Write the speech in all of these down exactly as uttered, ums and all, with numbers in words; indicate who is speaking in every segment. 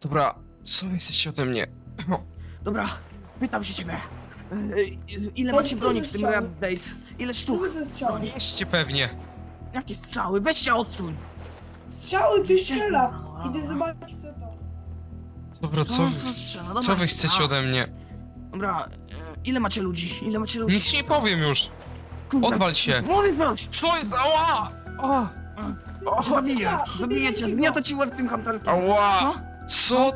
Speaker 1: Dobra, co jesteście ode mnie?
Speaker 2: Dobra, pytam się ciebie. E, Ile macie broni w tym Red Days? Ile
Speaker 3: Co
Speaker 2: sztuk?
Speaker 3: to za strzały?
Speaker 1: Mieście pewnie.
Speaker 2: Jakie strzały? Weź się odsuń!
Speaker 3: Strzały, ktoś strzela! Idę zobaczyć kto to.
Speaker 1: Dobra, co,
Speaker 2: Co
Speaker 1: wy-
Speaker 2: za strzała? Dobra,
Speaker 1: co wy chcecie
Speaker 2: strzała.
Speaker 1: ode mnie?
Speaker 2: Dobra, e, ile macie ludzi? Ile macie ludzi?
Speaker 1: Nic ci nie powiem już.
Speaker 2: Kurde,
Speaker 1: Odwal się.
Speaker 2: Mówię proś!
Speaker 1: Co jest? Ała! O,
Speaker 2: O, zabiję!
Speaker 3: Zabijcie
Speaker 2: Zabiję cię!
Speaker 3: go.
Speaker 2: Gniotę ci łeb tym kantarkiem!
Speaker 1: ała!
Speaker 2: No?
Speaker 1: Co?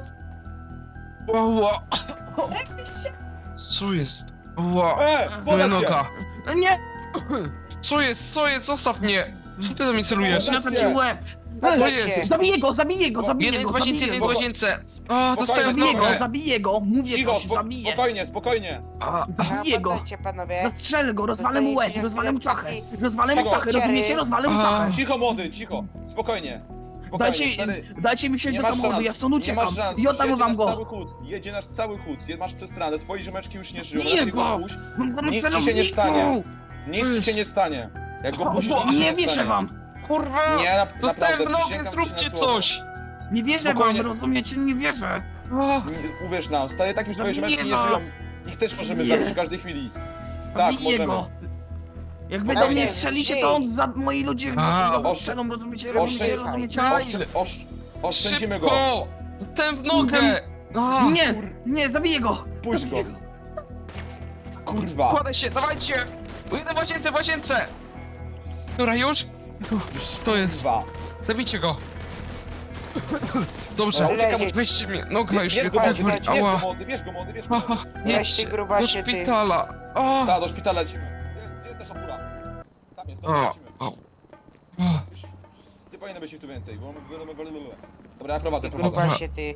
Speaker 1: Ała!
Speaker 3: Jak ty strzela?
Speaker 1: Co jest? Ała!
Speaker 4: E,
Speaker 1: Moja
Speaker 4: podać się!
Speaker 1: noga!
Speaker 2: Nie!
Speaker 1: Co jest? Co jest? Zostaw mnie! Co ty do mnie celujesz?
Speaker 2: Gniotę ci łeb!
Speaker 1: Co jest?
Speaker 2: Zabiję go, zabiję go, zabiję
Speaker 1: Jeden
Speaker 2: go,
Speaker 1: z łazience,
Speaker 2: zabiję
Speaker 1: jeden z
Speaker 2: go!
Speaker 1: łazience! O, dostałem w
Speaker 2: Zabiję go,
Speaker 1: nogę!
Speaker 2: zabiję go! Mówię
Speaker 4: Cicho,
Speaker 2: coś,
Speaker 4: spo,
Speaker 2: zabiję!
Speaker 4: spokojnie, spokojnie.
Speaker 1: A,
Speaker 2: Zabiję go!
Speaker 5: Poddajcie, panowie.
Speaker 2: Zastrzelę go, rozwalę mu łeb,
Speaker 5: Dostajecie
Speaker 2: rozwalę mu
Speaker 5: chwilę
Speaker 2: czachę!
Speaker 5: wcześniej.
Speaker 2: Rozwalę mu
Speaker 4: Cicho.
Speaker 2: czachę, rozumiecie? Rozwalę mu
Speaker 1: A.
Speaker 2: czachę!
Speaker 4: Cicho, młody, cicho. Spokojnie. Spokojnie,
Speaker 2: Dajcie,
Speaker 4: stary.
Speaker 2: dajcie mi wsiąść
Speaker 4: Nie
Speaker 2: do
Speaker 4: masz
Speaker 2: samochodu,
Speaker 4: szans,
Speaker 2: ja stąd
Speaker 4: nie
Speaker 2: uciekam
Speaker 4: masz szans.
Speaker 2: i oddam
Speaker 4: Jedzie
Speaker 2: wam
Speaker 4: nasz
Speaker 2: go!
Speaker 4: cały chód. Jedzie nasz cały chód. Je- Masz przestranę, twoje ziomeczki już nie żyją.
Speaker 2: Biję
Speaker 4: Lepiej
Speaker 2: go!
Speaker 4: go puść.
Speaker 2: Mam go na
Speaker 4: Nic ci się nie
Speaker 2: celowniku!
Speaker 4: stanie. Nic ci się nie stanie. Jak go
Speaker 2: O,
Speaker 4: puścisz,
Speaker 2: bo
Speaker 4: nic ci
Speaker 2: nie
Speaker 4: się nie
Speaker 2: wierzę
Speaker 4: stanie.
Speaker 2: wam!
Speaker 1: kurwa!
Speaker 4: Nie, na,
Speaker 1: Dostałem w
Speaker 4: naprawdę,
Speaker 1: nogę,
Speaker 4: przysięgam ci
Speaker 1: zróbcie
Speaker 4: na słowo.
Speaker 1: coś!
Speaker 2: Nie wierzę wam,
Speaker 4: Spokojnie.
Speaker 2: rozumiecie? Nie wierzę!
Speaker 1: O,
Speaker 4: Nie, Uwierz nam, stary, tak już twoje
Speaker 2: Zabiję
Speaker 4: ziomeczki nie
Speaker 2: was.
Speaker 4: żyją. Ich też możemy
Speaker 2: Nie.
Speaker 4: zabić w każdej chwili. Tak,
Speaker 2: Zabiję
Speaker 4: możemy.
Speaker 2: go! Jak wy do
Speaker 4: Spokojnie.
Speaker 2: mnie strzelicie, to on za moi ludzie
Speaker 1: A,
Speaker 2: go
Speaker 4: oszczę-
Speaker 2: strzelą, rozumiecie? Rozumiecie?
Speaker 4: oszczę-
Speaker 2: Rozumiecie?
Speaker 4: Oszczę, osz, oszczędzimy go.
Speaker 1: szybko! Dostałem w nogę! A,
Speaker 2: Nie! Nie, zabiję go!
Speaker 4: Puść go.
Speaker 2: Zabiję
Speaker 4: Kurwa.
Speaker 1: kładę się, dawajcie! Jeden w łazience, w łazience! Dobra, już? To jest.
Speaker 4: Kurwa.
Speaker 1: Zabijcie go! Dobrze,
Speaker 4: Dobra,
Speaker 5: uciekam.
Speaker 1: weźcie mnie, noga już
Speaker 4: Bierz
Speaker 1: mnie
Speaker 4: go,
Speaker 1: tak
Speaker 4: młody,
Speaker 1: boli,
Speaker 4: bierz go,
Speaker 1: ała!
Speaker 4: młody, bierz go, młody, bierz go.
Speaker 1: Aha,
Speaker 5: Weź
Speaker 1: jedźcie
Speaker 5: ty,
Speaker 1: do
Speaker 5: grubasie, ty.
Speaker 1: szpitala! O,
Speaker 4: Tak, do szpitala lecimy. Gdzie, gdzie ta szapura? Tam jest, dobra,
Speaker 1: o,
Speaker 4: lecimy.
Speaker 1: o. o.
Speaker 4: Już nie powinno być ich tu więcej, bo mamy... Dobra, ja prowadzę,
Speaker 5: Ty
Speaker 4: prowadzę.
Speaker 5: grubasie, ty.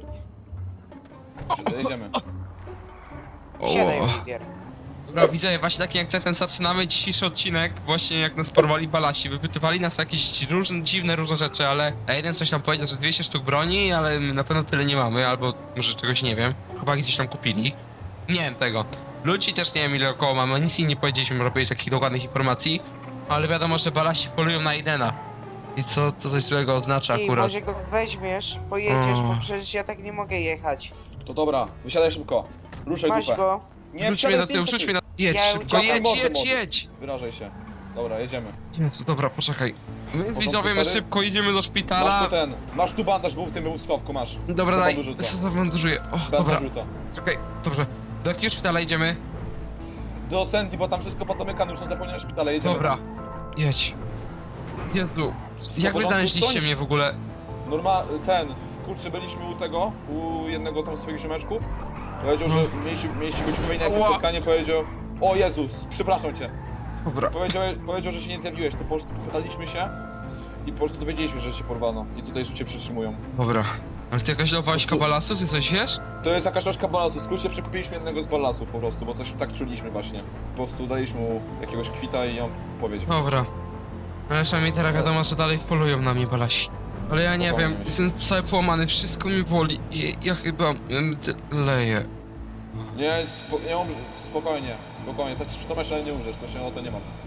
Speaker 4: Jedziemy.
Speaker 5: Siadaj,
Speaker 1: O.
Speaker 5: Oliwier.
Speaker 1: Dobra, widzę, właśnie takim akcentem zaczynamy dzisiejszy odcinek, właśnie jak nas porwali balasi, wypytywali nas o jakieś różne, dziwne, różne rzeczy, ale a jeden coś tam powiedział, że dwieście sztuk broni, ale my na pewno tyle nie mamy, albo może czegoś nie wiem. Chłopaki coś tam kupili. Nie wiem tego. Ludzi też nie wiem ile około mamy, nic im nie powiedzieliśmy, żeby powiedzieć takich dokładnych informacji, ale wiadomo, że balasi polują na Aidena. I co to coś złego oznacza
Speaker 5: Ty,
Speaker 1: akurat?
Speaker 5: może go weźmiesz, pojedziesz,
Speaker 1: O.
Speaker 5: bo przecież ja tak nie mogę jechać.
Speaker 4: To dobra, wysiadaj szybko. Ruszaj
Speaker 5: Masz
Speaker 4: dupę.
Speaker 5: go.
Speaker 4: Nie,
Speaker 1: Rzuć mnie na
Speaker 4: wsiadaj,
Speaker 1: tył,
Speaker 4: stój,
Speaker 1: rzuć mnie na... Jedź
Speaker 5: Ja
Speaker 1: szybko,
Speaker 5: uciekam,
Speaker 1: jedź,
Speaker 4: młody,
Speaker 1: jedź,
Speaker 4: młody.
Speaker 1: jedź!
Speaker 4: Wyrażaj się. Dobra, jedziemy.
Speaker 1: Jezu, dobra, poczekaj. Więc
Speaker 4: Porządku,
Speaker 1: widzowie, my
Speaker 4: stary?
Speaker 1: szybko idziemy do
Speaker 4: Masz
Speaker 1: szpitala.
Speaker 4: tu ten, masz tu bandaż, był w tym schowku, masz.
Speaker 1: Dobra,
Speaker 4: Do
Speaker 1: daj,
Speaker 4: bandażu rzucę.
Speaker 1: co zabandażuję. O,
Speaker 4: Bandaż
Speaker 1: dobra,
Speaker 4: rzucę.
Speaker 1: czekaj, dobrze. Do jakiego szpitala idziemy?
Speaker 4: Do Sandy, bo tam wszystko pozamykane, już są zapomniane szpitale, jedziemy.
Speaker 1: Dobra, jedź. Jezu, jak wy
Speaker 4: porządku,
Speaker 1: znaleźliście
Speaker 4: stoisz?
Speaker 1: mnie w ogóle?
Speaker 4: Norma, ten, kurczę, byliśmy u tego, u jednego tam swoich ziomeczków. Powiedział, że mieliście, mieliście być umówieni na jakieś
Speaker 1: Ała.
Speaker 4: spotkanie, powiedział... O Jezus, przepraszam cię.
Speaker 1: Dobra,
Speaker 4: Powiedział, powiedział, że się nie zjawiłeś, to po prostu pytaliśmy się i po prostu dowiedzieliśmy, że cię porwano i tutaj już cię przytrzymują.
Speaker 1: dobra. Ale ty jakaś nowa wojska balasu, ty coś wiesz?
Speaker 4: To jest jakaś troszkę balansu, w skrócie przekupiliśmy jednego z balasów po prostu, bo coś tak czuliśmy właśnie. Po prostu daliśmy mu jakiegoś kwita i on powiedział.
Speaker 1: Dobra. Ale przynajmniej teraz wiadomo, że dalej polują na mnie balasi. Ale ja nie
Speaker 4: Spokojnie.
Speaker 1: wiem, jestem cały połamany, wszystko mi boli. Ja, ja chyba em, leję.
Speaker 4: Nie, spo, nie umrz, spokojnie, spokojnie, znaczy przy to jeszcze nie umrzesz, to się o to nie martw.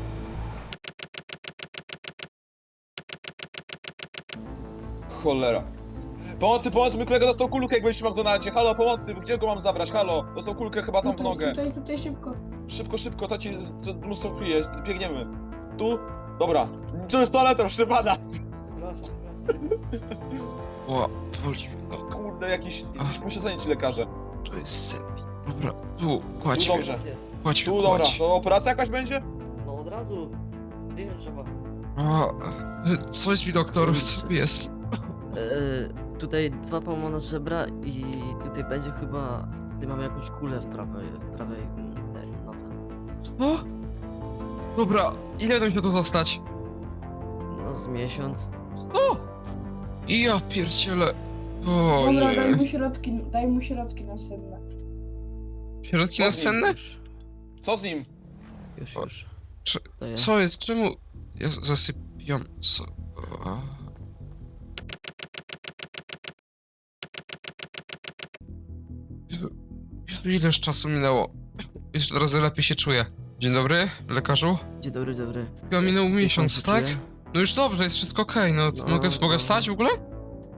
Speaker 4: Cholera. Pomocy, pomocy, mój kolega dostał kulkę, jak byliśmy w McDonaldzie. Halo, pomocy, gdzie go mam zabrać? Halo, dostał kulkę chyba tam w
Speaker 3: Tutaj,
Speaker 4: nogę.
Speaker 3: tutaj, tutaj szybko.
Speaker 4: Szybko, szybko, to ci to mnóstwo krwi jest, biegniemy. Tu? Dobra. Tu jest toaleta, szybana.
Speaker 1: O, boli mnie noga.
Speaker 4: Kurde, jakieś, jakieś posiedzenie ci lekarze.
Speaker 1: To jest Sandy. Dobra, tu,
Speaker 4: Tu
Speaker 1: kładź mnie,
Speaker 4: dobrze.
Speaker 1: kładź
Speaker 4: Tu
Speaker 1: mnie,
Speaker 4: dobra,
Speaker 1: kładź.
Speaker 4: to operacja jakaś będzie?
Speaker 6: No od razu. Nie wiem, trzeba.
Speaker 1: O, co jest mi doktor? Co jest?
Speaker 6: E, tutaj dwa połamane żebra i tutaj będzie chyba... Tutaj mamy jakąś kulę w prawej, w prawej mm, tej nodze.
Speaker 1: O! Dobra, ile nam się tu zostać?
Speaker 6: No z miesiąc.
Speaker 1: O! I ja pierdzielę. O
Speaker 3: Dobra, daj
Speaker 1: nie.
Speaker 3: mu środki, daj mu środki następne.
Speaker 1: Środki
Speaker 4: Co z nim?
Speaker 1: nasenne?
Speaker 6: Już,
Speaker 4: Co z nim?
Speaker 6: już,
Speaker 1: O,
Speaker 6: już.
Speaker 1: czy-
Speaker 6: Daję.
Speaker 1: Co jest? Czemu? Ja z- zasypiam. Co? A. Jezu, Jezu, ileż czasu minęło? Jeszcze teraz lepiej się czuję. Dzień dobry, lekarzu.
Speaker 6: Dzień dobry, dobry.
Speaker 1: Chyba minął miesiąc,
Speaker 6: pan się
Speaker 1: tak?
Speaker 6: czuje?
Speaker 1: No już dobrze, jest wszystko okej, no, to
Speaker 6: No,
Speaker 1: mogę, mogę
Speaker 6: no.
Speaker 1: wstać w ogóle? Chyba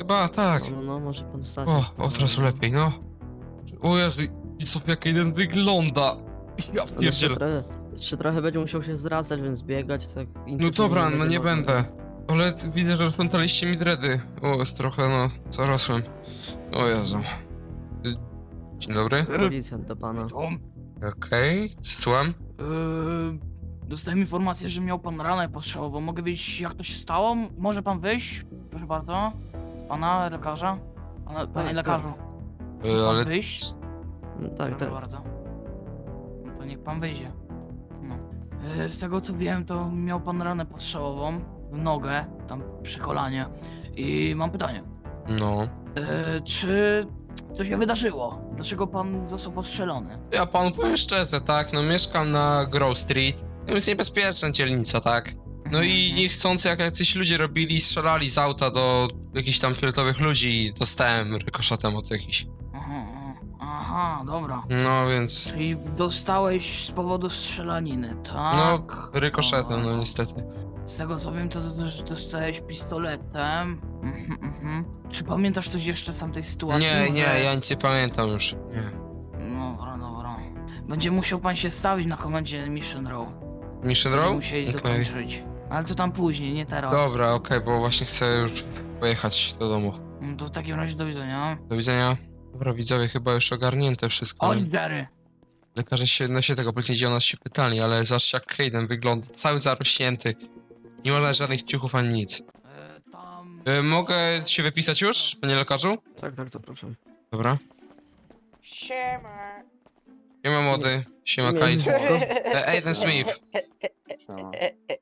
Speaker 1: chyba tak.
Speaker 6: No, no, no, może pan stać.
Speaker 1: O, od razu lepiej, no. O Jezu, i co jak jeden wygląda. Ja
Speaker 6: Jeszcze
Speaker 1: pierdzielę.
Speaker 6: trochę, jeszcze trochę będzie musiał się zrastać, więc biegać tak
Speaker 1: No
Speaker 6: intensywnie
Speaker 1: dobra, no
Speaker 6: będzie
Speaker 1: nie
Speaker 6: można.
Speaker 1: będę. Ale widzę, że rozpętaliście mi dredy. O, jest trochę, no, zarosłem. O Jezu. Y, Dzień dobry.
Speaker 6: Policjant do pana.
Speaker 2: Tom,
Speaker 1: Okej, słucham.
Speaker 2: yy, dostałem informację, że miał pan ranę postrzałową. Mogę wiedzieć, jak to się stało? Może pan wyjść? Proszę bardzo. Pana lekarza? Pana, panie
Speaker 6: tak.
Speaker 2: lekarzu.
Speaker 1: Y,
Speaker 2: Pan
Speaker 1: Ale
Speaker 2: wyjść?
Speaker 6: No, tak,
Speaker 2: Proszę
Speaker 6: tak.
Speaker 2: bardzo. No to niech pan wyjdzie. No. E, Z tego co wiem, to miał pan ranę postrzałową w nogę, tam przy kolanie. I mam pytanie.
Speaker 1: no.
Speaker 2: E, czy coś się wydarzyło? Dlaczego pan został postrzelony?
Speaker 1: Ja panu powiem szczerze, tak, no mieszkam na Grove Street. To jest niebezpieczna dzielnica, tak. No i
Speaker 2: Mhm.
Speaker 1: niechcący jak jacyś ludzie robili, strzelali z auta do jakichś tam fioletowych ludzi i dostałem rykoszetem od jakichś.
Speaker 2: Aha, aha, dobra.
Speaker 1: No więc,
Speaker 2: Czyli dostałeś z powodu strzelaniny, tak?
Speaker 1: no rykoszetem, no
Speaker 2: Dobra.
Speaker 1: niestety.
Speaker 2: Z tego co wiem, to też dostałeś pistoletem. Mhm, mhm. Czy pamiętasz coś jeszcze z tamtej sytuacji?
Speaker 1: Nie, nie,
Speaker 2: Może-
Speaker 1: ja nic nie pamiętam już, nie.
Speaker 2: Dobra, dobra. Będzie musiał pan się stawić na komendzie Mission Row.
Speaker 1: Mission
Speaker 2: Będziemy
Speaker 1: Row?
Speaker 2: musieli
Speaker 1: Okej.
Speaker 2: dokończyć. Ale to tam później, nie teraz.
Speaker 1: Dobra, okej, bo właśnie chcę już pojechać do domu.
Speaker 2: No to w takim razie do widzenia.
Speaker 1: Do widzenia. Dobra, widzowie, chyba już ogarnięte wszystko.
Speaker 2: Chodź, Jerry.
Speaker 1: Lekarze się, no się tego powiedzieli, o nas się pytali, ale zobaczcie jak Hayden wygląda, cały zarośnięty. Nie ma żadnych ciuchów ani nic.
Speaker 2: E, tam...
Speaker 1: Y, mogę się wypisać już, panie lekarzu?
Speaker 6: Tak, tak, zapraszam.
Speaker 1: Dobra.
Speaker 5: Siema.
Speaker 1: Siema młody, siema
Speaker 6: Nie,
Speaker 1: Kite.
Speaker 6: nie.
Speaker 1: E, Aiden Smith.
Speaker 4: Siema.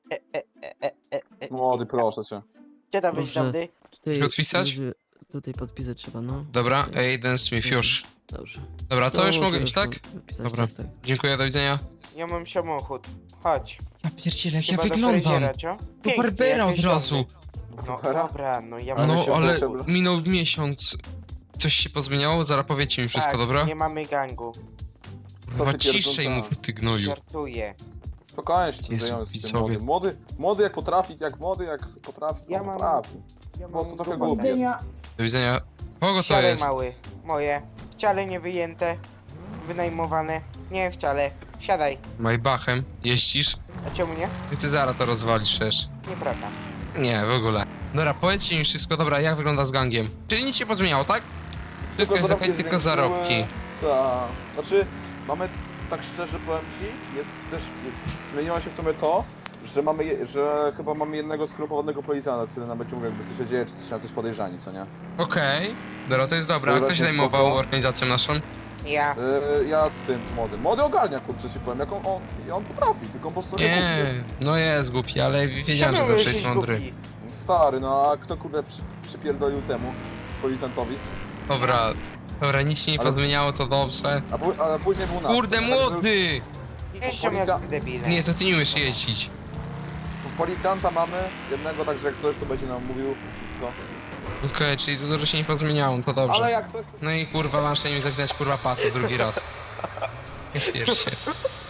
Speaker 4: Młody, proszę cię.
Speaker 5: Gdzie tam być
Speaker 6: Proszę.
Speaker 5: dobry?
Speaker 6: Tutaj,
Speaker 1: Czy odpisać?
Speaker 6: ludzie- Tutaj podpisać trzeba, no.
Speaker 1: Dobra, Aiden Smith, już.
Speaker 6: Dobrze.
Speaker 1: Dobra, to już mogę
Speaker 6: możesz
Speaker 1: iść, tak?
Speaker 6: wypisać,
Speaker 1: Dobra.
Speaker 6: Tak, tak.
Speaker 1: Dziękuję, do widzenia.
Speaker 5: Ja mam samochód. Chodź.
Speaker 1: Ja pierdzielę, jak ja
Speaker 5: Chyba do
Speaker 1: wyglądam.
Speaker 5: fryzjera, co?
Speaker 1: Do
Speaker 5: Piękny,
Speaker 1: Barbera od
Speaker 5: jakoś
Speaker 1: razu.
Speaker 5: dobry. No
Speaker 4: Barbera?
Speaker 5: dobra, no ja
Speaker 4: Ale
Speaker 1: No,
Speaker 4: się
Speaker 1: ale
Speaker 4: przebrał.
Speaker 1: minął miesiąc. Coś się pozmieniało? Zaraz powiecie mi wszystko,
Speaker 5: tak,
Speaker 1: dobra?
Speaker 5: nie mamy gangu.
Speaker 4: Co
Speaker 1: Chyba
Speaker 4: ty
Speaker 1: ciszej
Speaker 4: pierdolca?
Speaker 1: mów, ty gnoju.
Speaker 5: Żartuję.
Speaker 4: Spokojnie się
Speaker 1: Jezu,
Speaker 4: znajomym z tym
Speaker 1: widzowie.
Speaker 4: młodym. Młody, młody jak potrafi, jak młody jak potrafi, to
Speaker 5: Ja mam-
Speaker 4: potrafi.
Speaker 5: Ja
Speaker 4: Po prostu
Speaker 5: mam
Speaker 4: trochę
Speaker 5: robotę.
Speaker 4: głupi jest.
Speaker 3: Widzenia.
Speaker 1: Do widzenia. Kogo to
Speaker 5: Wciale
Speaker 1: jest?
Speaker 5: mały. Moje. Wciale nie wyjęte. Wynajmowane. Nie wciale. Siadaj.
Speaker 1: Maybachem jeździsz?
Speaker 5: A czemu nie?
Speaker 1: I ty zaraz to rozwalisz przecież.
Speaker 5: Nieprawda.
Speaker 1: Nie, w ogóle. Dobra, powiedzcie mi wszystko, dobra, jak wygląda z gangiem? Czyli nic się pozmieniało, tak? Wszystko jest
Speaker 4: zarobki
Speaker 1: okej, tylko
Speaker 4: zwiększyły.
Speaker 1: zarobki.
Speaker 4: Tak. Znaczy, mamy, tak szczerze powiem ci, jest też, zmieniło się w sumie to, że mamy, je- że chyba mamy jednego skrupułowanego policjanta, który nam będzie mówił, jakby co się dzieje, czy coś, na coś podejrzani, co nie?
Speaker 1: Okej. Dobra, to jest dobra. A
Speaker 4: Dobra,
Speaker 1: kto się
Speaker 4: się
Speaker 1: zajmował
Speaker 4: spoko.
Speaker 1: organizacją naszą?
Speaker 5: Ja.
Speaker 4: Yy, ja z tym, z młodym. Młody ogarnia, kurczę ci powiem, jak on, on, i on potrafi, tylko on po prostu
Speaker 1: Nie,
Speaker 4: jest.
Speaker 1: no jest głupi, ale wiedziałem, że
Speaker 5: Czemu
Speaker 1: zawsze jest
Speaker 5: jesteś
Speaker 1: mądry.
Speaker 5: głupi?
Speaker 4: Stary, no a kto kurde przy, przypierdolił temu policjantowi?
Speaker 1: Dobra, dobra, nic się nie
Speaker 4: Ale-
Speaker 1: podmieniało, to dobrze.
Speaker 4: A, pu- ale później był nasz.
Speaker 1: Kurde,
Speaker 4: Także
Speaker 1: młody!
Speaker 5: Jeżdżą jak debile.
Speaker 1: Nie, to ty nie umiesz jeździć.
Speaker 4: już Policjanta mamy, jednego, także jak coś, to będzie nam mówił wszystko.
Speaker 1: Okej, czyli za dużo się nie pozmieniało, to
Speaker 4: Ale
Speaker 1: dobrze.
Speaker 4: jak coś, to...
Speaker 1: No i kurwa, masz mi zapisać kurwa pacę drugi raz. Nie śpiesz się.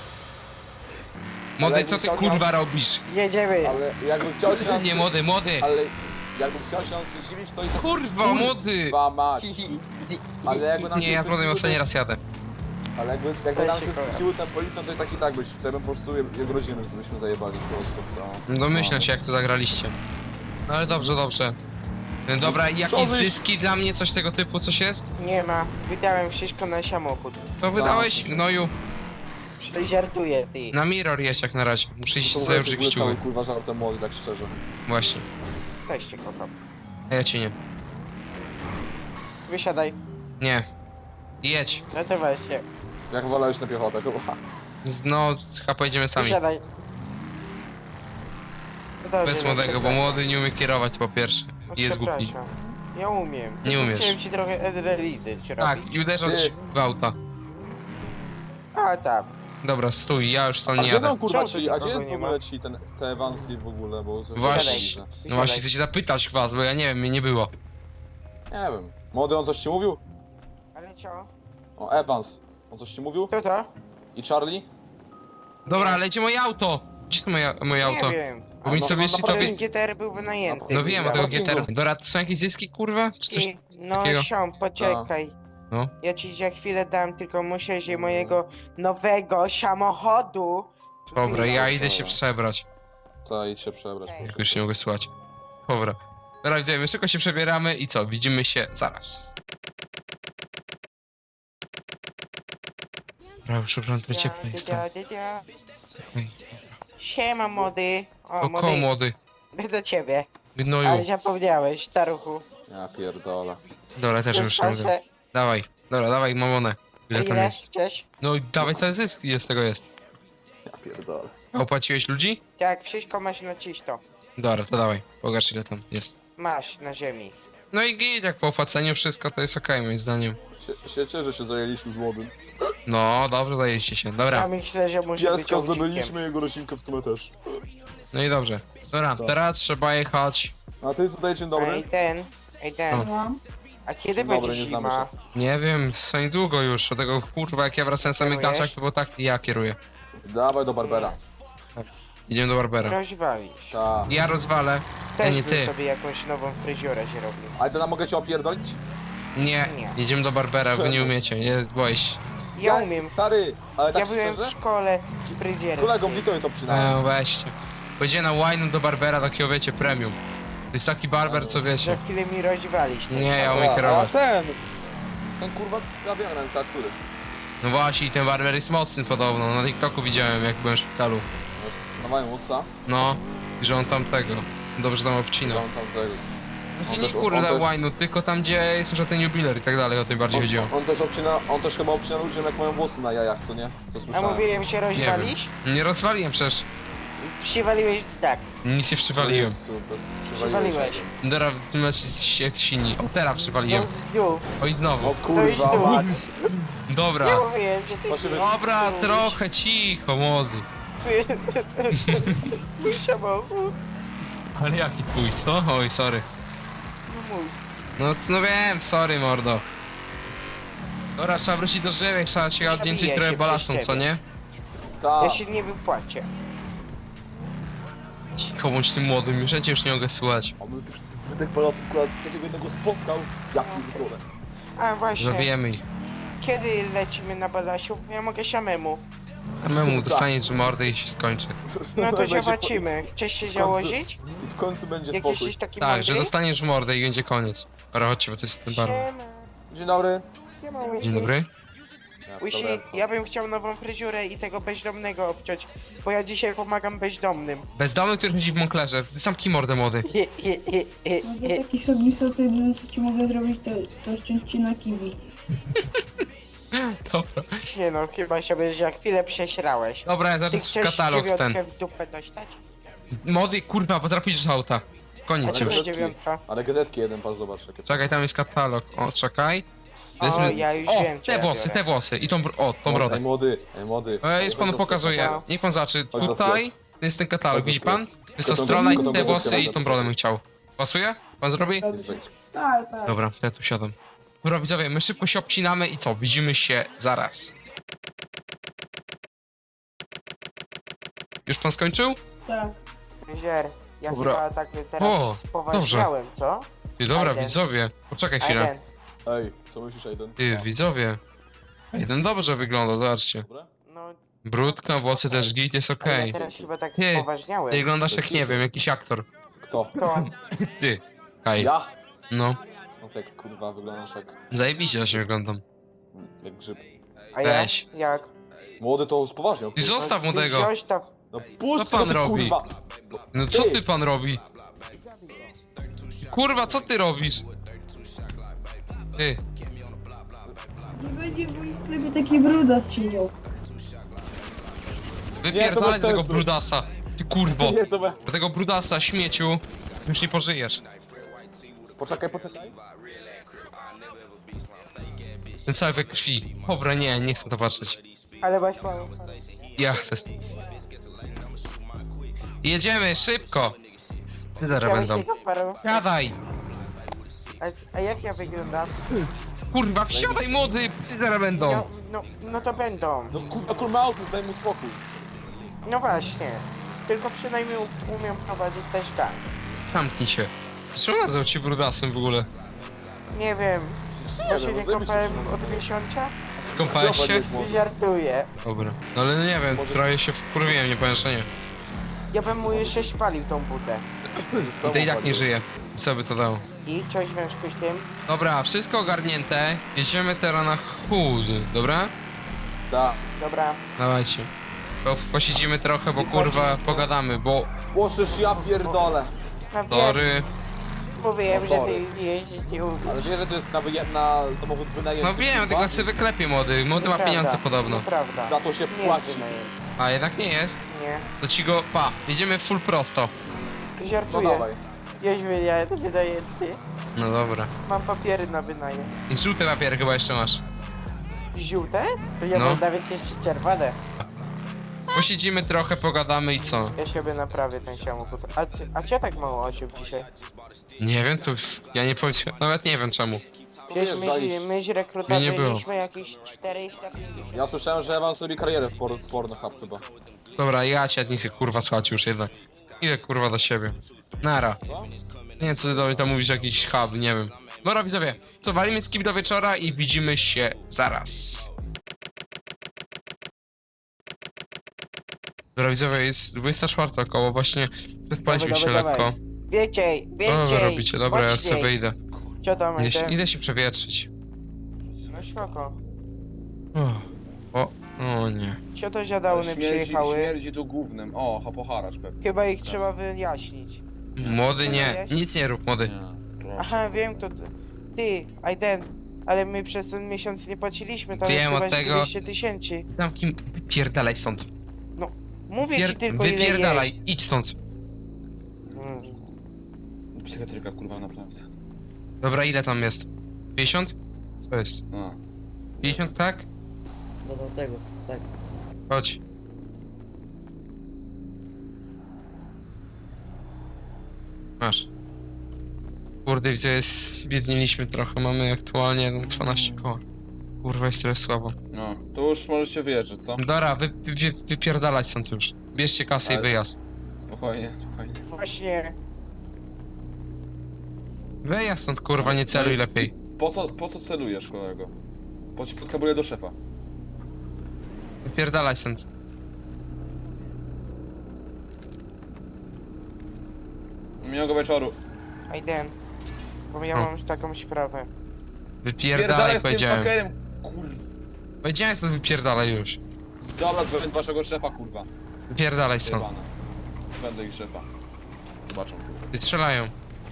Speaker 1: Młody, co ty kurwa robisz?
Speaker 5: Jedziemy.
Speaker 4: Ale jakbym chciał się nas...
Speaker 1: Nie, młody, młody!
Speaker 4: Ale jakbym chciał się nas zdziwić, to i tak...
Speaker 1: Kurwa, młody!
Speaker 4: Kurwa mać. Ale jakby nam
Speaker 1: Nie,
Speaker 4: się
Speaker 1: ja z młodym
Speaker 4: zdziwił,
Speaker 1: ostatni
Speaker 4: to-
Speaker 1: raz jadę.
Speaker 4: Ale jakby, jakby
Speaker 5: Weź
Speaker 4: nam
Speaker 5: się
Speaker 4: się
Speaker 5: kocha.
Speaker 4: zdziwił ten policjant, to i tak i tak byś, wtedy bym po prostu je, jego rodzinę byśmy zajebali po prostu, co?
Speaker 1: Domyślam się, jak to zagraliście. No ale dobrze, dobrze. Dobra, i jakieś
Speaker 4: Co wy-
Speaker 1: zyski dla mnie, coś tego typu, coś jest?
Speaker 5: Nie ma. Wydałem wszystko na samochód.
Speaker 1: To wydałeś, gnoju?
Speaker 5: To żartuję, ty.
Speaker 1: Na mirror jest jak na razie. Muszę iść
Speaker 4: To
Speaker 1: założyć
Speaker 4: w ogóle
Speaker 1: kciuły.
Speaker 4: cały, kurwa żartem młody, tak szczerze.
Speaker 1: Właśnie.
Speaker 5: Też cię kocham.
Speaker 1: A ja cię nie.
Speaker 5: Wysiadaj.
Speaker 1: Nie. Jedź.
Speaker 5: No to właśnie.
Speaker 4: Jak wolałeś na piechotę, chyba.
Speaker 1: Z- No, chyba pojedziemy sami.
Speaker 5: Wysiadaj. No dobrze,
Speaker 1: Bez
Speaker 5: no
Speaker 1: młodego, bo
Speaker 5: przepraszam.
Speaker 1: młody nie umie kierować po pierwsze.
Speaker 5: No
Speaker 1: I jest głupi.
Speaker 5: przepraszam. Ja umiem.
Speaker 1: Nie
Speaker 5: Tylko
Speaker 1: umiesz.
Speaker 5: Chciałem ci trochę adrenaliny ci
Speaker 1: Tak,
Speaker 5: robić.
Speaker 1: i uderzasz
Speaker 4: Ty.
Speaker 1: w auta.
Speaker 5: A tam.
Speaker 1: Dobra, stój, ja już
Speaker 4: A
Speaker 1: stąd nie
Speaker 4: gdzie
Speaker 1: jadę.
Speaker 4: tam kurwa
Speaker 5: Czemu tu
Speaker 4: ci, a gdzie
Speaker 5: nikogo
Speaker 4: jest w
Speaker 5: nie ma?
Speaker 4: ogóle ci ten, te Evansy w ogóle, bo... coś-
Speaker 1: Właśnie.
Speaker 4: widzę.
Speaker 1: No właśnie, chcę cię zapytać was, bo ja nie wiem, mnie nie było.
Speaker 4: Nie wiem. Młody, on coś ci mówił?
Speaker 5: Ale co?
Speaker 4: O, Evans. On coś ci mówił?
Speaker 5: Kto to?
Speaker 4: I Charlie?
Speaker 1: Dobra, ale gdzie moje auto? Gdzie to moje, moje auto?
Speaker 5: Nie wiem.
Speaker 1: Bo mi
Speaker 4: no,
Speaker 1: sobie
Speaker 4: no,
Speaker 1: jeśli
Speaker 4: naprawdę
Speaker 1: tobie...
Speaker 5: Ten G T R był wynajęty.
Speaker 1: No wiem o tego
Speaker 4: parkingu.
Speaker 1: G T R. Dora, to są jakieś zyski, kurwa? Czy coś?
Speaker 5: I, no
Speaker 1: takiego?
Speaker 5: siom, poczekaj.
Speaker 1: No.
Speaker 5: Ja ci za chwilę dam, tylko muszę się mojego nowego samochodu.
Speaker 1: Dobra, ja
Speaker 5: wyjąć.
Speaker 1: idę się przebrać.
Speaker 4: To idź się przebrać.
Speaker 5: Ej.
Speaker 1: Jak już nie mogę słuchać. Dobra. Dobra, widzimy, szybko się przebieramy i co? Widzimy się zaraz. Dobra, już ubrałem to ciepło jest tam.
Speaker 5: Dia, dia, dia.
Speaker 1: Ej,
Speaker 5: Siema młody. O,
Speaker 1: O, koło młody.
Speaker 5: Do ciebie. Ale
Speaker 1: Gnoju.
Speaker 5: zapomniałeś, staruchu.
Speaker 4: Ja pierdolę.
Speaker 1: Dobra, też już nie mogę.
Speaker 5: Proszę,
Speaker 1: Dawaj, dobra, dawaj mamonę. Ile tam jest?
Speaker 5: Cześć.
Speaker 1: No i dawaj cały zysk, ile z tego jest.
Speaker 4: Ja pierdolę.
Speaker 1: A opłaciłeś ludzi?
Speaker 5: Tak, wszystko masz na czysto.
Speaker 1: Dobra, to dawaj, pokaż ile tam jest.
Speaker 5: Masz na ziemi.
Speaker 1: No i git, jak po opłaceniu wszystko to jest okej moim zdaniem.
Speaker 4: Się, się cieszę, że się zajęliśmy z młodym.
Speaker 1: No, dobrze zajęliście się,
Speaker 5: Ja
Speaker 1: dobra.
Speaker 5: myślę, że muszę być
Speaker 4: Pieska
Speaker 5: owczykiem.
Speaker 4: zdobyliśmy, jego roślinkę w sumie też.
Speaker 1: No i dobrze. Dobra,
Speaker 4: Tak.
Speaker 1: teraz trzeba jechać.
Speaker 4: A ty tutaj dzień dobry.
Speaker 5: Ej ten, ej ten.
Speaker 1: O.
Speaker 3: Mam.
Speaker 5: A kiedy
Speaker 4: Dzień dobry,
Speaker 5: będzie
Speaker 4: nie znamy
Speaker 5: zima?
Speaker 4: się.
Speaker 1: Nie wiem, za niedługo już. Od tego kurwa, jak ja wracałem z samych
Speaker 5: Kierujesz?
Speaker 1: gaciach, to było tak, ja kieruję.
Speaker 4: Dawaj do Barbera.
Speaker 1: Idziemy do Barbera.
Speaker 5: Rozwalisz.
Speaker 4: Ta.
Speaker 1: Ja rozwalę. Ja
Speaker 5: Też
Speaker 1: nie
Speaker 5: bym
Speaker 1: ty.
Speaker 5: sobie jakąś nową fryziurę się robił.
Speaker 4: Ale to nam mogę cię opierdolić?
Speaker 1: Nie,
Speaker 5: Nie.
Speaker 1: idziemy do Barbera, wy nie umiecie, nie boję się.
Speaker 5: Ja umiem.
Speaker 4: Stary, ale tak
Speaker 5: Ja byłem w
Speaker 4: szczerze?
Speaker 5: szkole fryzjerem.
Speaker 4: Kolegom Witowi to przynajmniej.
Speaker 1: No weźcie. Pojedzie na wine do Barbera, takiego wiecie, premium. To jest taki barber, co
Speaker 5: Za
Speaker 1: wiecie.
Speaker 5: chwilę mi rozwalisz.
Speaker 1: Nie, ja
Speaker 4: A,
Speaker 1: umiem
Speaker 4: a
Speaker 1: kierować.
Speaker 4: ten! Ten kurwa, ja wiem, ten który.
Speaker 1: No właśnie, i ten barber jest mocny podobno. Na TikToku widziałem, jak byłem w szpitalu.
Speaker 4: Dawaj usta.
Speaker 1: No, i że on tam tego. Dobrze tam obcinał.
Speaker 4: On tam tego.
Speaker 1: Właśnie
Speaker 4: on
Speaker 1: nie
Speaker 4: też- on
Speaker 1: kurde
Speaker 4: też-
Speaker 1: wine'u, tylko tam gdzie jest już ten jubiler i tak dalej, o tym bardziej chodziło.
Speaker 4: On, on też obcina, on też chyba obcina ludziom jak mają włosy na jajach, co nie? Co
Speaker 5: A
Speaker 4: słyszałem.
Speaker 5: mówiłem się rozwalisz?
Speaker 1: Nie rozwaliłem przecież.
Speaker 5: Przywaliłeś tak.
Speaker 1: Nic nie przywaliłem.
Speaker 4: Jezu, bez-
Speaker 5: Przywaliłeś.
Speaker 1: Dobra, w tym meczu jest silni. O, teraz przywaliłem.
Speaker 5: No, no.
Speaker 1: O i
Speaker 4: O
Speaker 1: znowu.
Speaker 4: kurwa,
Speaker 5: To idź tu.
Speaker 4: mać.
Speaker 1: Dobra.
Speaker 5: Nie mówiłem, że ty...
Speaker 4: Proszę wy-
Speaker 1: Dobra, trochę cicho, młody.
Speaker 5: Mój samochód.
Speaker 1: Ale jaki twój, co? Oj, sorry.
Speaker 5: No mój.
Speaker 1: No, no wiem, sorry, mordo. Dobra, trzeba wrócić do żywych, trzeba się oddzięczyć
Speaker 5: Zabiję
Speaker 1: trochę
Speaker 5: się
Speaker 1: balasom,
Speaker 5: przez
Speaker 1: co
Speaker 5: ciebie.
Speaker 1: nie?
Speaker 4: Ta.
Speaker 5: Ja się nie wypłacię.
Speaker 1: Cicho bądź tym młodym, już ja cię już nie mogę słuchać.
Speaker 4: A my tych wydech balotów akurat takiego jednego spotkał. Ja pierdolę.
Speaker 5: A właśnie,
Speaker 1: Zabijemy ich.
Speaker 5: kiedy lecimy na Balasiu? Ja mogę samemu.
Speaker 1: Samemu dostaniesz mordę i się skończy.
Speaker 5: No to
Speaker 4: Będzie
Speaker 5: zobaczymy. Chcesz się założyć?
Speaker 4: po- I w końcu będzie
Speaker 5: Jak
Speaker 4: spokój.
Speaker 5: jesteś taki
Speaker 1: Tak, że
Speaker 5: mądry?
Speaker 1: dostaniesz mordę i będzie koniec. Dobra, chodźcie, bo to jest ten bar.
Speaker 5: Siema.
Speaker 4: Dzień dobry.
Speaker 5: Siema, Łysi.
Speaker 1: Dzień dobry.
Speaker 4: Ja,
Speaker 5: Łysi,
Speaker 4: dobra.
Speaker 5: ja bym chciał nową fryzurę i tego bezdomnego obciąć, bo ja dzisiaj pomagam bezdomnym.
Speaker 1: Bezdomny, który chodzi w Monklerze. Zamknij mordę, młody.
Speaker 3: No to taki sobie soty, jedyne co ci mogę zrobić to, to ściąć ci na kiwi.
Speaker 1: Dobra.
Speaker 5: Nie no, chyba się będziesz za chwilę przesrałeś.
Speaker 1: Dobra, ja
Speaker 5: Ty
Speaker 1: zaraz
Speaker 5: chcesz
Speaker 1: katalog ten.
Speaker 5: dziewiątkę w dupę dostać?
Speaker 1: Młody, kurwa, potrafisz z auta.
Speaker 5: A
Speaker 1: Koniec
Speaker 5: co
Speaker 1: już.
Speaker 5: to dziewiątka?
Speaker 4: Ale gazetki jeden, patrz, zobacz jakie.
Speaker 1: Czekaj, tam jest katalog. O, czekaj.
Speaker 5: O, ja już
Speaker 1: O,
Speaker 5: wiem, co
Speaker 1: te
Speaker 5: ja
Speaker 1: włosy,
Speaker 5: biorę.
Speaker 1: te włosy i tą, br- o, tą
Speaker 4: Ej
Speaker 1: brodę.
Speaker 4: młody, ej młody.
Speaker 1: E, już panu pokazuję. Niech pan zacznie.
Speaker 4: Chodź do
Speaker 1: Tutaj jest ten katalog,
Speaker 4: Chodź do
Speaker 1: widzi pan? Jest ta
Speaker 4: Tylko tą-
Speaker 1: strona i
Speaker 4: tylko tą
Speaker 1: te
Speaker 4: gazetkę
Speaker 1: włosy i
Speaker 4: będę
Speaker 1: tą brodę bym chciał. Pasuje? Pan zrobi?
Speaker 3: Tak, tak.
Speaker 1: Dobra, to ja tu siadam. Dobra, widzowie, my szybko się obcinamy i co? Widzimy się zaraz. Już pan skończył?
Speaker 3: Tak.
Speaker 5: Zier, ja
Speaker 1: Dobra.
Speaker 5: chyba tak teraz
Speaker 1: O,
Speaker 5: spoważniałem, co?
Speaker 1: Ty, dobra,
Speaker 5: Aiden.
Speaker 1: widzowie. Poczekaj chwilę.
Speaker 5: Aiden,
Speaker 4: Ej, co myślisz, Aiden?
Speaker 1: Ty, widzowie. Jeden dobrze wygląda, zobaczcie.
Speaker 4: Dobra?
Speaker 5: no
Speaker 1: Brudka, włosy też git, jest
Speaker 5: a
Speaker 1: okej.
Speaker 5: ja teraz chyba tak
Speaker 1: Ty, Ty
Speaker 5: spoważniałem.
Speaker 1: wyglądasz jak, nie wiem, jakiś aktor.
Speaker 4: Kto?
Speaker 5: To,
Speaker 1: Ty. Kaj.
Speaker 4: Ja?
Speaker 1: No,
Speaker 4: No tak kurwa wyglądasz jak...
Speaker 1: zajebiście się wyglądam.
Speaker 4: jak grzyb.
Speaker 5: a ja?
Speaker 1: Weź.
Speaker 5: Jak?
Speaker 4: Młody to spoważniał.
Speaker 1: Ty
Speaker 4: kurwa.
Speaker 1: zostaw
Speaker 5: No, ty
Speaker 1: młodego.
Speaker 5: Zostaw.
Speaker 4: No puść
Speaker 1: Co pan
Speaker 4: to,
Speaker 1: robi?
Speaker 4: Kurwa.
Speaker 1: No co ty pan robi? Kurwa, co ty robisz? Ty,
Speaker 3: Nie będzie w moim sklepie taki brudas siedział.
Speaker 1: wypierdalaj
Speaker 4: bez
Speaker 1: tego
Speaker 4: sensu.
Speaker 1: brudasa. Ty kurwo.
Speaker 4: Nie, to be...
Speaker 1: Do tego brudasa, śmieciu. Już nie pożyjesz.
Speaker 4: Poczekaj, poczekaj.
Speaker 1: Ten cały we krwi. Dobra, nie, nie chcę to patrzeć.
Speaker 5: Ale masz mało.
Speaker 1: Ja to jest... Jedziemy, szybko! Ty teraz
Speaker 5: Chciałeś
Speaker 1: będą.
Speaker 5: tego paru?
Speaker 1: Siadaj!
Speaker 5: A, a jak ja wyglądam?
Speaker 1: Kurwa, wsiadaj młody! Ty teraz będą.
Speaker 5: No, no, no to będą.
Speaker 4: No kurwa, kurwa, auto, daj mu spokój.
Speaker 5: No właśnie. tylko przynajmniej u- umiem prowadzić też gang.
Speaker 1: Zamknij się. Czemu nazwał cię brudasem w ogóle?
Speaker 5: Nie wiem,
Speaker 4: Nie
Speaker 5: bo się
Speaker 4: wiem,
Speaker 5: nie
Speaker 4: no
Speaker 5: kąpałem
Speaker 4: wymyśl,
Speaker 5: od miesiąca?
Speaker 1: Kąpałeś się?
Speaker 5: Żartuję.
Speaker 1: Dobra. No ale no nie wiem,
Speaker 4: Może-
Speaker 1: trochę się wkurwiłem, nie powiem, że nie.
Speaker 5: Ja bym mu jeszcze spalił tą butę.
Speaker 1: I to i tak nie żyje. Co by to dało?
Speaker 5: I coś w związku z tym?
Speaker 1: Dobra, wszystko ogarnięte. Jedziemy teraz na chód, dobra?
Speaker 4: Tak.
Speaker 5: Dobra.
Speaker 1: Dawajcie. Po, posiedzimy trochę, bo kurwa pogadamy, bo...
Speaker 4: Łożysz, ja pierdolę.
Speaker 5: No wiem,
Speaker 1: Tory...
Speaker 5: mówiłem,
Speaker 4: No
Speaker 5: że
Speaker 4: sorry.
Speaker 5: ty jeździć nie umiesz.
Speaker 4: Ale wiesz, że to jest na, wyje- na samochód wynajęty.
Speaker 1: No wiem,
Speaker 4: kurwa?
Speaker 1: tylko sobie wyklepie młody. Młody ma
Speaker 5: Nieprawda,
Speaker 1: pieniądze podobno.
Speaker 5: Nieprawda.
Speaker 4: Za to się
Speaker 5: Nie
Speaker 4: płaci.
Speaker 5: jest wynajęty.
Speaker 1: A jednak nie jest.
Speaker 5: Nie.
Speaker 1: To ci go... Pa, jedziemy full prosto.
Speaker 4: No
Speaker 5: Żartuję.
Speaker 4: dawaj.
Speaker 5: Jeźdź wynajęty, wynajęty.
Speaker 1: No dobra.
Speaker 5: Mam papiery na wynajem.
Speaker 1: I żółte papiery chyba jeszcze masz.
Speaker 5: Żółte? To ja
Speaker 1: No.
Speaker 5: mam nawet jeszcze czerwone.
Speaker 1: Posiedzimy trochę, pogadamy i co?
Speaker 5: Ja sobie naprawię ten samochód. A, ty, a co tak mało osób dzisiaj?
Speaker 1: Nie wiem, to... Ja nie powiem... Nawet nie wiem czemu.
Speaker 5: Przecież my,
Speaker 4: Wyjeżdżaliście.
Speaker 5: my z
Speaker 1: Mnie
Speaker 5: rekrutami
Speaker 1: nie było.
Speaker 5: mieliśmy jakieś czterysta pięćdziesiąt.
Speaker 4: Ja słyszałem, że Ewan zrobi karierę w, por w Pornhub chyba.
Speaker 1: Dobra, ja cię nie chcę kurwa słuchać już jednak. Idę kurwa do siebie. Nara. Nie wiem co ty do mnie tam mówisz, jakiś hub, nie wiem. Dobra widzowie, co, walimy skip do wieczora i widzimy się zaraz. Dobra widzowie, jest dwudziesta czwarta około, właśnie przespaliśmy
Speaker 5: Dawaj,
Speaker 1: się
Speaker 5: dawaj,
Speaker 1: lekko.
Speaker 5: Więcej,
Speaker 1: Co wy
Speaker 5: więcej!
Speaker 1: robicie? Dobra, ja
Speaker 5: mocniej.
Speaker 1: sobie wyjdę.
Speaker 5: Co tam
Speaker 1: Idę się,
Speaker 5: idę?
Speaker 1: idę się przewietrzyć.
Speaker 5: No spoko.
Speaker 1: O, o, o nie.
Speaker 5: Co to za downy przyjechały?
Speaker 4: śmierdzi tu głównym. O, hopoharacz pewnie.
Speaker 5: Chyba ich trzeba wyjaśnić.
Speaker 1: Młody nie, nic nie rób młody.
Speaker 5: Aha, wiem to... Ty, Aiden, ale my przez ten miesiąc nie płaciliśmy, tam
Speaker 1: Wiem,
Speaker 5: jest chyba
Speaker 1: od tego-
Speaker 5: dwieście tysięcy.
Speaker 1: Zamknij, wypierdalaj stąd.
Speaker 5: Mówię
Speaker 1: Pier
Speaker 5: ci tylko ile
Speaker 1: wypierdalaj, idź stąd.
Speaker 5: jest. Mm.
Speaker 4: Psychiatryka kurwa naprawdę.
Speaker 1: Dobra, ile tam jest? pięćdziesiąt? Co jest?
Speaker 4: No.
Speaker 1: pięćdziesiąt, tak?
Speaker 6: No do tego, tak.
Speaker 1: Chodź. Masz. Kurde, widzę, jest... biedniliśmy trochę, mamy aktualnie no, dwanaście koła. Kurwa, jest tyle słabo.
Speaker 4: No. To już możecie wyjeżdżać, co?
Speaker 1: Dobra, wy, wy, wypierdalać stąd już. Bierzcie kasę
Speaker 4: Ale-
Speaker 1: i wyjazd.
Speaker 4: Spokojnie, spokojnie.
Speaker 5: Właśnie,
Speaker 1: Wyjazd stąd, kurwa, nie celuj lepiej.
Speaker 4: Po co, po co celujesz, kolego? Po ci podkabuję do szefa.
Speaker 1: Wypierdalaj stąd.
Speaker 4: Miłego wieczoru.
Speaker 5: Aiden, bo ja
Speaker 1: O.
Speaker 5: mam taką sprawę.
Speaker 1: Wypierdalaj,
Speaker 4: z tym
Speaker 1: powiedziałem.
Speaker 4: fakerem, kurwa.
Speaker 1: Powiedziałem stąd, wypierdalaj już.
Speaker 4: Dobra, dzwonię do waszego szefa, kurwa.
Speaker 1: Wypierdalaj stąd.
Speaker 4: Jebana. Będę ich szefa. Zobaczą, kurwa.
Speaker 1: Wystrzelają.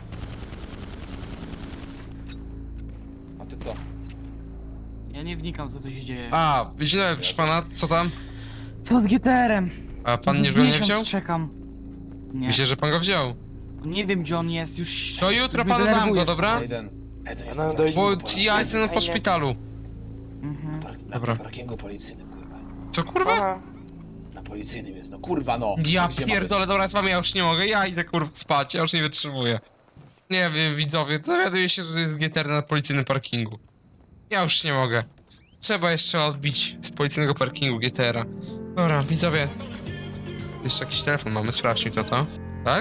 Speaker 4: A ty co?
Speaker 2: Ja nie wnikam co tu się dzieje.
Speaker 1: A, widziałem, proszę pana, co tam?
Speaker 2: Co z G T R-em?
Speaker 1: A pan nie, go nie
Speaker 2: Miesiąc
Speaker 1: wziął?
Speaker 2: czekam. Nie.
Speaker 1: Myślę, że pan go wziął.
Speaker 2: Nie wiem gdzie on jest, już...
Speaker 1: To jutro
Speaker 2: już mnie
Speaker 1: panu dam
Speaker 2: denerwuje.
Speaker 1: go, dobra?
Speaker 4: Aiden. Aiden
Speaker 5: No, doj-
Speaker 1: Bo ja jestem po szpitalu.
Speaker 2: Mhm.
Speaker 1: Dobra.
Speaker 4: Na parkingu policyjnym, kurwa.
Speaker 1: Co kurwa?
Speaker 5: Aha,
Speaker 4: Na policyjnym jest, no kurwa no.
Speaker 1: Ja
Speaker 4: Gdzie ma
Speaker 1: pierdolę, dobra, z wami ja już nie mogę, ja idę kurwa spać, ja już nie wytrzymuję. Nie wiem, widzowie, dowiaduję się, że jest G T R na policyjnym parkingu. Ja już nie mogę. Trzeba jeszcze odbić z policyjnego parkingu G T R-a. Dobra, widzowie. Jeszcze jakiś telefon mamy, sprawdźmy to, to. Tak?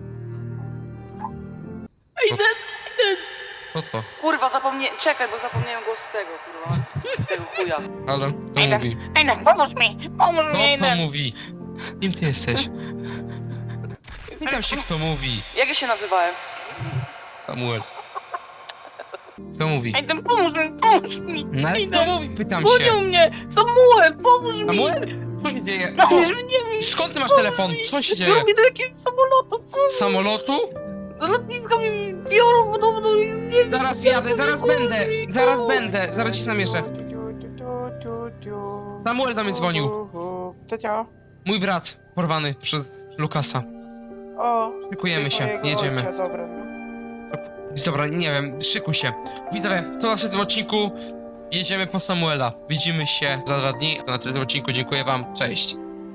Speaker 2: Idę,
Speaker 1: Co to?
Speaker 2: kurwa zapomniałem, czekaj, bo zapomniałem głosu tego, kurwa. Tego chuja.
Speaker 1: Halo? Kto
Speaker 2: Ejden,
Speaker 1: mówi?
Speaker 2: Ejden, pomóż mi, pomóż mi,
Speaker 1: Kto to
Speaker 2: Ejden.
Speaker 1: mówi? Kim ty jesteś? Pytam się, kto mówi.
Speaker 2: Jak ja się nazywałem?
Speaker 1: Samuel. Kto mówi?
Speaker 2: Ejden, pomóż mi, pomóż mi.
Speaker 1: No ale kto mówi? Pytam
Speaker 2: Gonią
Speaker 1: się.
Speaker 2: mnie, Samuel, pomóż mi.
Speaker 1: Samuel? Co się dzieje?
Speaker 2: No,
Speaker 1: Co?
Speaker 2: nie wiem,
Speaker 1: Skąd ty masz telefon? Co się dzieje?
Speaker 2: Drugi do jakiegoś samolotu, co?
Speaker 1: Z samolotu?
Speaker 2: Do lotniska mnie biorą podobno i nie wiem.
Speaker 1: Zaraz jadę, zaraz będę, zaraz będę, zaraz ci namieszę.
Speaker 5: Tu, tu, tu, tu.
Speaker 1: Samuel do mnie dzwonił.
Speaker 5: To co?
Speaker 1: Mój brat, porwany przez Lukasa.
Speaker 5: O,
Speaker 1: Szykujemy się,
Speaker 5: twojego
Speaker 1: jedziemy.
Speaker 5: ojca, dobra, no.
Speaker 1: Dobra, nie wiem, szykuj się. Widzowie, to na tym odcinku jedziemy po Samuela. Widzimy się za dwa dni. To na tym odcinku dziękuję wam, cześć.